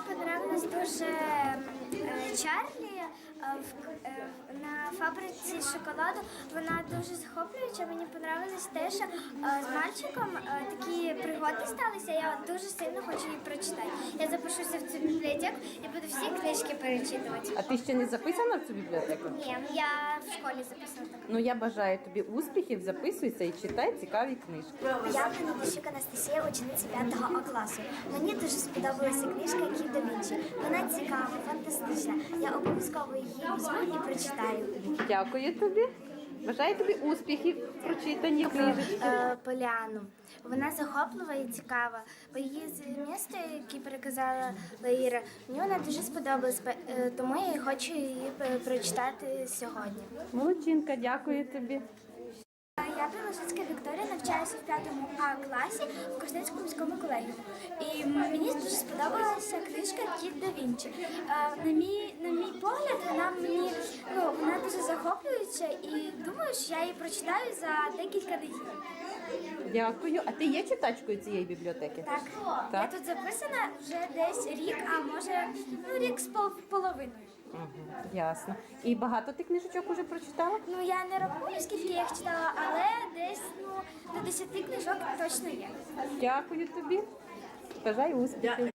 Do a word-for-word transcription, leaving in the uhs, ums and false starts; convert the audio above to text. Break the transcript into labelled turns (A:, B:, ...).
A: понравилось дуже е, Чарлі е, в- е, на фабриці шоколаду. Вона дуже захоплююча. Мені понравилось те, що е, з мальчиком е, такі пригоди сталися. Я дуже сильно хочу її прочитати. Я запишуся в цю бібліотеку і буду всі книжки перечитувати.
B: А ти ще не записана в цю бібліотеку?
A: Ні, я в школі записала так.
B: Ну я бажаю тобі успіхів, записуйся і читай цікаві книжки.
A: Я Панатищук Анастасія, учениця п'ятого А класу. Мені дуже сподобалася книжка Кіт да Вінчі. Вона цікава, фантастична. Я обов'язково її візьму і прочитаю.
B: Дякую тобі. Бажаю тобі успіхів в прочитанні книжечки.
A: Е, Поляну. Вона захоплива і цікава. Бо її змісти, які переказала Лаїра, мені вона дуже сподобалась, е, тому я хочу її е, прочитати сьогодні.
B: Молодчинка, дякую тобі.
A: Я Білошицька Вікторія, навчаюся в п'ятому А класі в Коростенському міському колегіумі. І мені дуже сподобалася книжка Кіт да Вінчі. Е, На мій, на мій погляд, вона мені ну, вона дуже захоплююча і думаю, що я її прочитаю за декілька неділь.
B: Дякую. А ти є читачкою цієї бібліотеки?
A: Так.
B: Так?
A: Я тут записана вже десь рік, а може ну, рік з пол- половиною.
B: Угу, ясно. І багато ти книжечок уже прочитала?
A: Ну я не рахую, скільки я їх читала, але десь ну, до десяти книжок точно є.
B: Дякую тобі. Бажаю успіхів.